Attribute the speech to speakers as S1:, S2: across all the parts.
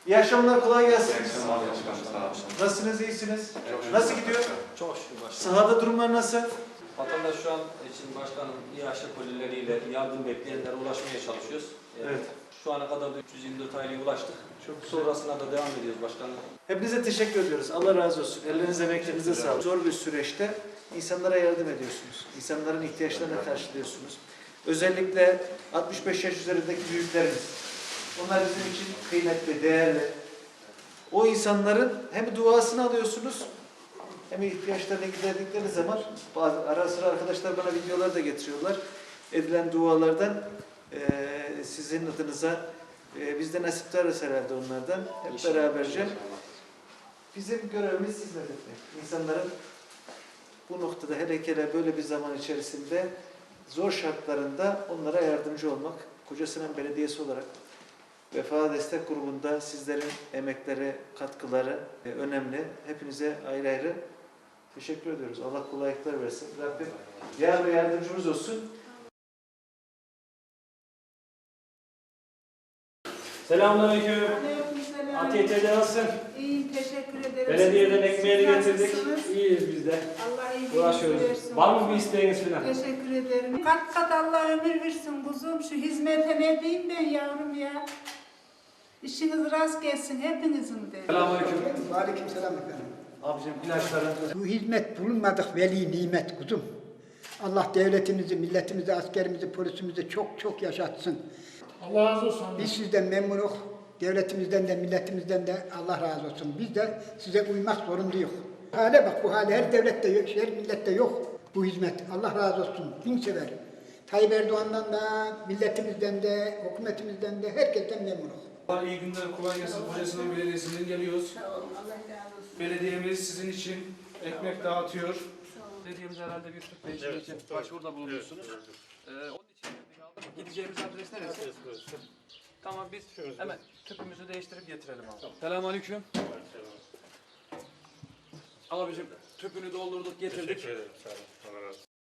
S1: İyi akşamlar, kolay gelsin.
S2: Sağ olun başkanım.
S1: Nasılsınız, iyisiniz?
S2: Evet.
S1: Nasıl gidiyor?
S3: Çok şükür başkanım.
S1: Sahada durumlar nasıl?
S3: Vatandaş şu an için başkanım İHA kolileriyle yardım bekleyenlere ulaşmaya çalışıyoruz.
S1: Evet.
S3: Şu ana kadar da 324 aileye ulaştık.
S1: Çok güzel.
S3: Sonrasında da devam ediyoruz başkanım.
S1: Hepinize teşekkür ediyoruz. Allah razı olsun. Ellerinize, emeklerinize sağlık. Zor bir süreçte insanlara yardım ediyorsunuz. İnsanların ihtiyaçlarını karşılıyorsunuz. Özellikle 65 yaş üzerindeki büyüklerimiz. Onlar bizim için kıymetli, değerli. O insanların hem duasını alıyorsunuz hem ihtiyaçlarını giderdikleri zaman ara sıra arkadaşlar bana videolar da getiriyorlar. Edilen dualardan sizin adınıza biz de nasiptarız herhalde onlardan. Hep beraberce. Bizim görevimiz hizmet etmek. İnsanların bu noktada hele böyle bir zaman içerisinde zor şartlarında onlara yardımcı olmak. Kocasinan Belediyesi olarak Vefa Destek Grubu'nda sizlerin emekleri, katkıları önemli. Hepinize ayrı ayrı teşekkür ediyoruz. Allah kolaylıklar versin. Rabbim yar ve yardımcımız olsun.
S4: Selamünaleyküm.
S5: Aleykümselam.
S4: ATT'de nasılsın?
S5: İyiyim, teşekkür ederim.
S4: Belediyeden
S5: Siz
S4: ekmeğini getirdik.
S5: nasılsınız?
S4: İyiyiz biz de.
S5: Allah iyiliğinizi
S4: Uğraşıyoruz.
S5: versin.
S4: Var mı bir isteğiniz falan?
S5: Teşekkür ederim. Kat kat Allah ömür versin kuzum. Şu hizmete ne diyeyim ben yavrum ya. İşiniz rast gelsin hepinizin de.
S4: Selamünaleyküm.
S6: Aleykümselam efendim.
S4: Abicim ilaçların.
S6: Bu hizmet bulunmadık veli nimet kuzum. Allah devletimizi, milletimizi, askerimizi, polisimizi çok çok yaşatsın.
S7: Allah razı olsun.
S6: Biz sizden memnunuz. Devletimizden de milletimizden de Allah razı olsun. Biz de size uymak zorundayız. Hale bak, bu hale her devlette yok, her millette yok bu hizmet. Allah razı olsun. Bin sever. Tayyip Erdoğan'dan da, milletimizden de, hükümetimizden de herkesten memnunuz.
S7: İyi günler, kolay gelsin. Kocasinan Belediyesi'nden geliyoruz. Belediyemiz sizin için ekmek dağıtıyor. Belediyemiz herhalde bir Türk Bey'in için başvuruda bulunuyorsunuz. Onun için gideceğimiz adres neresi? Tamam, biz hemen tüpümüzü değiştirip getirelim abi. Selamünaleyküm. Abicim tüpünü doldurduk, getirdik.
S2: Teşekkür ederim. Sağ olun. Allah razı olsun.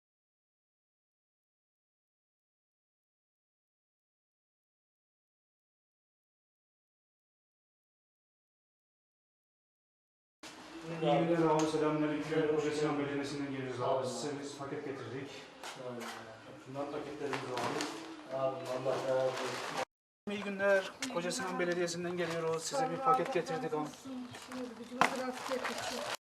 S7: İyi günler abi, selamünaleyküm. Kocasinan Belediyesi'nden geliyoruz abi. Size biz paket getirdik. Şunlar paketlerimiz abi.
S1: Allah razı olsun.
S7: İyi günler. Kocasinan Belediyesi'nden geliyoruz. Size bir paket getirdik abi.